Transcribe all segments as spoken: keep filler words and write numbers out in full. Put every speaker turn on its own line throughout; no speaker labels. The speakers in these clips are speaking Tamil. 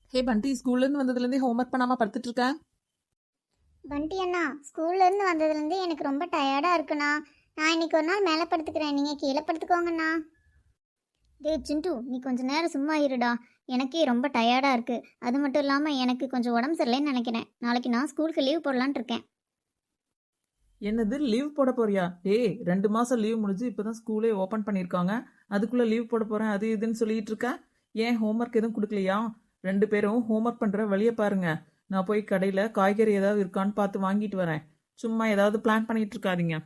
ஹே பண்டி, ஸ்கூல்ல இருந்து வந்ததுல இருந்தே ஹோம்ஒர்க் பண்ணாம படுத்துட்டு இருக்க.
பண்டி அண்ணா, ஸ்கூல்ல இருந்து வந்ததுலேருந்து எனக்கு ரொம்ப டயர்டா இருக்குண்ணா. நான் இன்னைக்கு ஒரு நாள் மேலே படுத்துக்கிறேன், நீங்க கீழே படுத்துக்கோங்கண்ணா. டேய் சிண்டு, நீ கொஞ்ச நேரம் சும்மா இருடா. எனக்கே ரொம்ப டயர்டா இருக்கு. அது மட்டும் இல்லாம எனக்கு கொஞ்சம் உடம்பு சரியில்லைன்னு நினைக்கிறேன். நாளைக்கு நான் ஸ்கூலுக்கு லீவ் போடலான்னு இருக்கேன்.
என்னது லீவ் போட போறியா? டேய், ரெண்டு மாசம் லீவ் முடிஞ்சு இப்பதான் ஸ்கூலே ஓபன் பண்ணிருக்காங்க. அதுக்குள்ள லீவ் போட போறேன் அது இதுன்னு சொல்லிட்டு இருக்க. ஏன் ஹோம்ஒர்க் எதுவும் கொடுக்கலையா? ரெண்டு பேரும் ஹோம்ஒர்க் பண்ற வழிய பாருங்க. நான் போய் கடையில காய்கறி ஏதாவது இருக்கான்னு பார்த்து வாங்கிட்டு வரேன். சும்மா ஏதாவது பிளான் பண்ணிட்டு இருக்காதீங்க.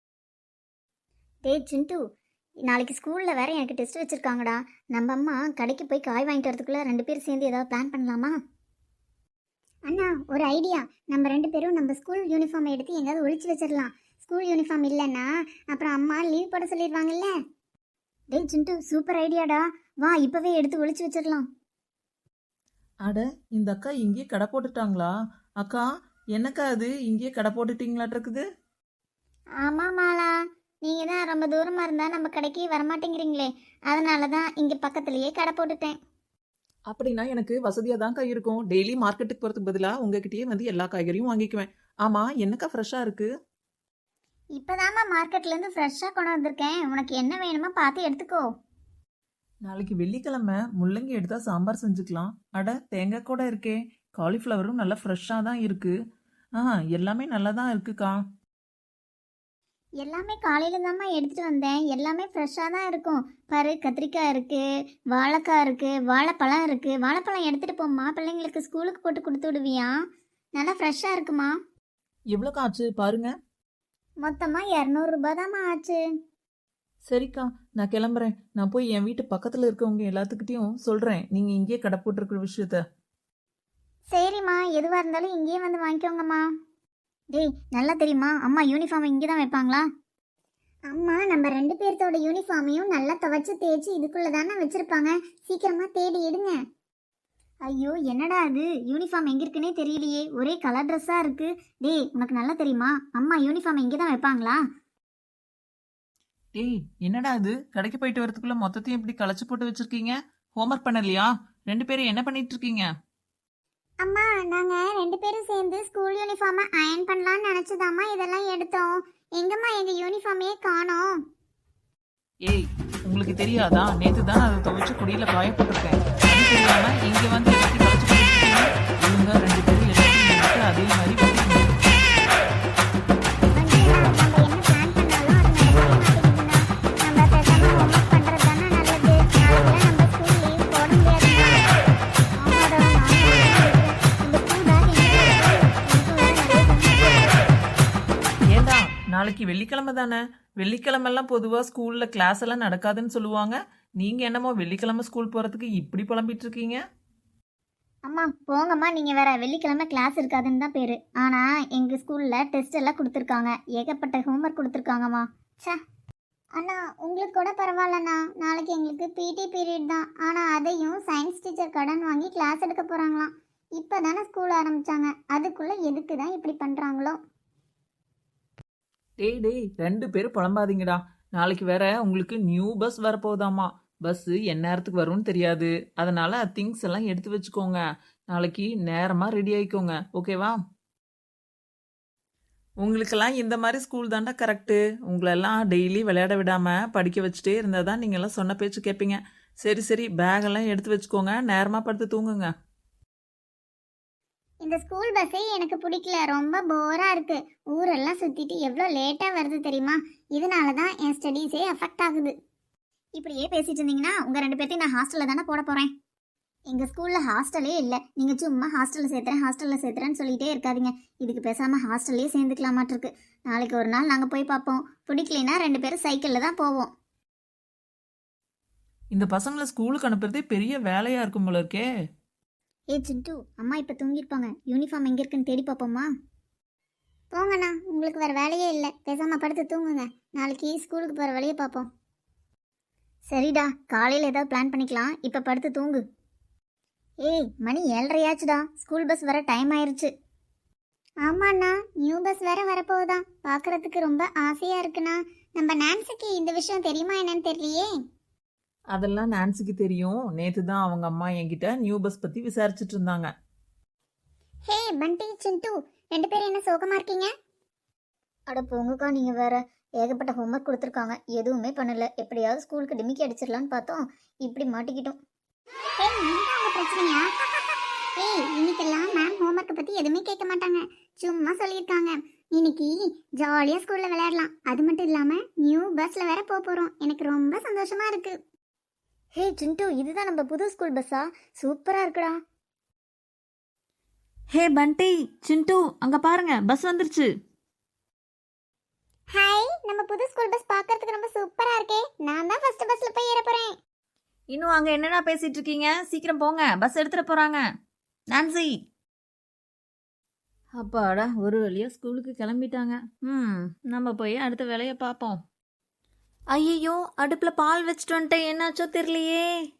டேய் சிண்டு, நாளைக்கு ஸ்கூல்ல வேற எனக்கு டெஸ்ட் வச்சிருக்காங்கடா. நம்ம அம்மா கடைக்கு போய் காய் வாங்கிட்டு வரதுக்குள்ள ரெண்டு பேரும் சேர்ந்து ஏதாவது பிளான் பண்ணலாமா? அண்ணா, ஒரு ஐடியா. நம்ம ரெண்டு பேரும் நம்ம ஸ்கூல் யூனிஃபார்ம் எடுத்து எங்கேயாவது ஒழிச்சு வச்சிடலாம். ஸ்கூல் யூனிஃபார்ம் இல்லைன்னா அப்புறம் அம்மா லீவ் போட சொல்லிடுவாங்கல்ல. டேய் சிண்டு, சூப்பர் ஐடியாடா. வா இப்பவே எடுத்து ஒழிச்சு வச்சிடலாம்.
அட, இந்த அக்கா இங்கேயே கடை போட்டுட்டாங்களா? அக்கா, என்னக்கா அது இங்கேயே கடை போட்டுட்டீங்களாட்டு இருக்குது?
ஆமா மாலா, நீங்க தான் ரொம்ப தூரமா இருந்தா நம்ம கடைக்கு வரமாட்டேங்கிறீங்களே, அதனால தான் இங்க பக்கத்துலயே கடை போட்டுட்டேன்.
அப்படின்னா எனக்கு வசதியா தான்க்கா இருக்கும். டெய்லி மார்க்கெட்டுக்கு போறதுக்கு பதிலா உங்ககிட்டயே வந்து எல்லா காய்கறியும் வாங்கிக்குவேன். ஆமா, என்னக்கா ஃப்ரெஷ்ஷா இருக்கு?
இப்பதாம்மா மார்க்கெட்ல இருந்து ஃப்ரெஷ்ஷா கொண்டு வந்திருக்கேன். உனக்கு என்ன வேணுமோ பார்த்து எடுத்துக்கோ.
நாளைக்கு வெள்ளிக்கிழமை முள்ளங்கி எடுத்தா சாம்பார் செஞ்சுக்கலாம். அட, தேங்காய் கூட இருக்கே. காலிஃப்ளவரும் நல்லா ஃப்ரெஷ்ஷாக தான் இருக்கு. ஆ, எல்லாமே நல்லா தான் இருக்குக்கா.
எல்லாமே காலையில தாம்மா எடுத்துட்டு வந்தேன். எல்லாமே ஃப்ரெஷ்ஷா தான் இருக்கும். பாரு, கத்திரிக்காய் இருக்கு, வாழைக்காய் இருக்கு, வாழைப்பழம் இருக்கு. வாழைப்பழம் எடுத்துட்டு போம்மா, பிள்ளைங்களுக்கு ஸ்கூலுக்கு போட்டு கொடுத்து விடுவியா? நல்லா ஃப்ரெஷ்ஷா இருக்குமா.
எவ்வளோக்கா ஆச்சு பாருங்க.
மொத்தமா இரநூறு ரூபாய் தாம்மா ஆச்சு.
சரிக்கா, நான் கிளம்புறேன். நான் போய் என் வீட்டு பக்கத்தில் இருக்கவங்க எல்லாத்துக்கிட்டையும் சொல்கிறேன் நீங்கள் இங்கேயே கடை போட்டிருக்கிற விஷயத்த.
சரிம்மா, எதுவா இருந்தாலும் இங்கேயே வந்து வாங்கிக்கோங்கம்மா. டேய், நல்லா தெரியுமா அம்மா யூனிஃபார்ம் இங்கே தான் வைப்பாங்களா? அம்மா நம்ம ரெண்டு பேர்த்தோட யூனிஃபார்மையும் நல்லா துவைச்சு தேய்ச்சி இதுக்குள்ள தானே வச்சிருப்பாங்க. சீக்கிரமா தேடி எடுங்க. ஐயோ, என்னடா அது, யூனிஃபார்ம் எங்க இருக்குன்னே தெரியலையே, ஒரே கலர் ட்ரெஸ்ஸா இருக்கு. டேய், உனக்கு நல்லா தெரியுமா அம்மா யூனிஃபார்ம் இங்கே தான் வைப்பாங்களா?
டேய், என்னடா இது, கடைக்கு போயிட்டு வரதுக்குள்ள மொத்தத்தையும் இப்படி களைச்சு போட்டு வச்சிருக்கீங்க? ஹோம்ஒர்க் பண்ணலையா? ரெண்டு பேரும் என்ன பண்ணிட்டு இருக்கீங்க?
அம்மா, நாங்க ரெண்டு பேரும் சேர்ந்து ஸ்கூல் யூனிஃபார்மை அயர்ன் பண்ணலாம்னு நினைச்சதாம்மா இதெல்லாம் எடுத்தோம். எங்கம்மா எங்க யூனிஃபார்மையே காணோம்.
ஏய், உங்களுக்கு தெரியாதா? நேத்து தான் அதை துவைச்சு குடியில காய போட்டிருக்கேன். அது தெரியாம இங்க வந்து எல்லாத்தையும் களைச்சு போட்டுருக்கீங்க. இவங்க ரெண்டு பேரும் எல்லாத்தையும் எடுத்து அதே மாதிரி வைக்கணும். ஏண்டா, நாளைக்கு வெள்ளிக்கிழமை தானே? வெள்ளிக்கிழமெல்லாம் பொதுவாக ஸ்கூலில் கிளாஸ் எல்லாம் நடக்காதுன்னு சொல்லுவாங்க. நீங்கள் என்னமோ வெள்ளிக்கிழமை ஸ்கூல் போகிறதுக்கு இப்படி புலம்பிட்டு இருக்கீங்க.
அம்மா போங்கம்மா, நீங்கள் வேற வெள்ளிக்கிழமை கிளாஸ் இருக்காதுன்னு தான் பேர். ஆனால் எங்கள் ஸ்கூலில் டெஸ்ட் எல்லாம் கொடுத்துருக்காங்க. ஏகப்பட்ட ஹோம்ஒர்க் கொடுத்துருக்காங்கம்மா. சே அண்ணா, உங்களுக்கு கூட பரவாயில்லண்ணா. நாளைக்கு எங்களுக்கு பிடி பீரியட் தான். ஆனால் அதையும் சயின்ஸ் டீச்சர் கடன் வாங்கி கிளாஸ் எடுக்க போகிறாங்களாம். இப்போ தானே ஸ்கூல் ஆரம்பித்தாங்க, அதுக்குள்ளே எதுக்கு தான் இப்படி பண்ணுறாங்களோ.
டேய் டேய், ரெண்டு பேரும் புலம்பாதீங்கடா. நாளைக்கு வேற உங்களுக்கு நியூ பஸ் வரப்போகுதாமா. பஸ்ஸு என் நேரத்துக்கு வரும்னு தெரியாது. அதனால திங்ஸ் எல்லாம் எடுத்து வச்சுக்கோங்க. நாளைக்கு நேரமாக ரெடி ஆகிக்கோங்க, ஓகேவா? உங்களுக்கெல்லாம் இந்த மாதிரி ஸ்கூல் தாண்டா கரெக்டு. உங்களெல்லாம் டெய்லி விளையாட விடாமல் படிக்க வச்சுட்டே இருந்தால் தான் நீங்கள்லாம் சொன்ன பேச்சு கேட்பீங்க. சரி சரி, பேகெல்லாம் எடுத்து வச்சுக்கோங்க. நேரமாக படுத்து தூங்குங்க.
இந்த ஸ்கூல் பஸ்ஸே எனக்கு பிடிக்கல, ரொம்ப போராக இருக்கு. ஊரெல்லாம் சுற்றிட்டு எவ்வளோ லேட்டாக வருது தெரியுமா? இதனால தான் என் ஸ்டடீஸே அஃபெக்ட் ஆகுது. இப்படியே பேசிட்டு இருந்தீங்கன்னா உங்கள் ரெண்டு பேர்த்தையும் நான் ஹாஸ்டலில் தானே போட போகிறேன். எங்கள் ஸ்கூலில் ஹாஸ்டலே இல்லை. நீங்கள் சும்மா ஹாஸ்டலில் சேர்த்துறேன் ஹாஸ்டலில் சேர்த்துறேன்னு சொல்லிகிட்டே இருக்காதீங்க. இதுக்கு பேசாமல் ஹாஸ்டல்லே சேர்ந்துக்கலாமாட்டிருக்கு. நாளைக்கு ஒரு நாள் நாங்கள் போய் பார்ப்போம். பிடிக்கலைன்னா ரெண்டு பேரும் சைக்கிளில் தான் போவோம்.
இந்த பசங்களை ஸ்கூலுக்கு அனுப்புறதே பெரிய வேலையாக இருக்கும் போல இருக்கே.
ஏ சிண்டு, அம்மா இப்போ தூங்கியிருப்பாங்க. யூனிஃபார்ம் எங்கே இருக்குன்னு தேடி பார்ப்போம்மா. போங்கண்ணா, உங்களுக்கு வேறு வேலையே இல்லை. பேசாமல் படுத்து தூங்குங்க. நாளைக்கு ஸ்கூலுக்கு போகிற வழியை பார்ப்போம். சரிடா, காலையில் ஏதாவது பிளான் பண்ணிக்கலாம். இப்போ படுத்து தூங்கு. ஏய், மணி ஏழரையாச்சுடா. ஸ்கூல் பஸ் வர டைம் ஆயிடுச்சு. ஆமாண்ணா, நியூ பஸ் வேற வரப்போகுதா. பார்க்கறதுக்கு ரொம்ப ஆசையாக இருக்குண்ணா. நம்ம நான்சிக்கு இந்த விஷயம் தெரியுமா என்னன்னு தெரியலையே.
அதெல்லாம் நான்சிக்கு தெரியும். நேத்து தான் அவங்க அம்மா என்கிட்ட நியூ பஸ் பத்தி விசாரிச்சுட்டு இருந்தாங்க.
ஹே பண்டி சிண்டு, ரெண்டு பேரும் என்ன சோகமா இருக்கீங்க? அட போங்கக்கா, நீங்க வேற. ஏகப்பட்ட ஹோம்ஒர்க் கொடுத்துருக்காங்க, எதுவுமே பண்ணல. எப்படியாவது ஸ்கூலுக்கு டிமிக்கி அடிச்சிடலான்னு பார்த்தோம், இப்படி மாட்டிக்கிட்டோம். ஏய், இதுதான் உங்க பிரச்சனையா? ஏய், இன்னைக்கெல்லாம் மேம் ஹோம்ஒர்க்கை பத்தி எதுவுமே கேட்க மாட்டாங்க, சும்மா சொல்லியிருக்காங்க. இன்னைக்கு ஜாலியா ஸ்கூல்ல விளையாடலாம். அது மட்டும் இல்லாம நியூ பஸ்ல வேற போக போறோம். எனக்கு ரொம்ப சந்தோஷமா இருக்கு. ஹே சிண்டு, இதுதான் நம்ம புது ஸ்கூல் பஸ்ஸா? சூப்பரா இருக்குடா.
ஹே பண்டி, சிண்டு, அங்க பாருங்க பஸ் வந்துருச்சு.
ஹாய், நம்ம புது ஸ்கூல் பஸ் பார்க்கிறதுக்கு ரொம்ப சூப்பரா இருக்கே. நான் தான் ஃபர்ஸ்ட் பஸ்ல போய் ஏற போறேன்.
இன்னும் அங்க என்னடா பேசிட்டு இருக்கீங்க? சீக்கிரம் போங்க, பஸ் எடுத்துட்டு போறாங்க. நான்சி. அப்பாடா, ஒரு வழியா ஸ்கூலுக்கு கிளம்பிட்டாங்க. ம் நம்ம போய் அடுத்த வேலையை பார்ப்போம். ஐயோ, அடுப்புல பால் வச்சுட்டு வந்துட்டேன், என்னாச்சோ தெரியலையே.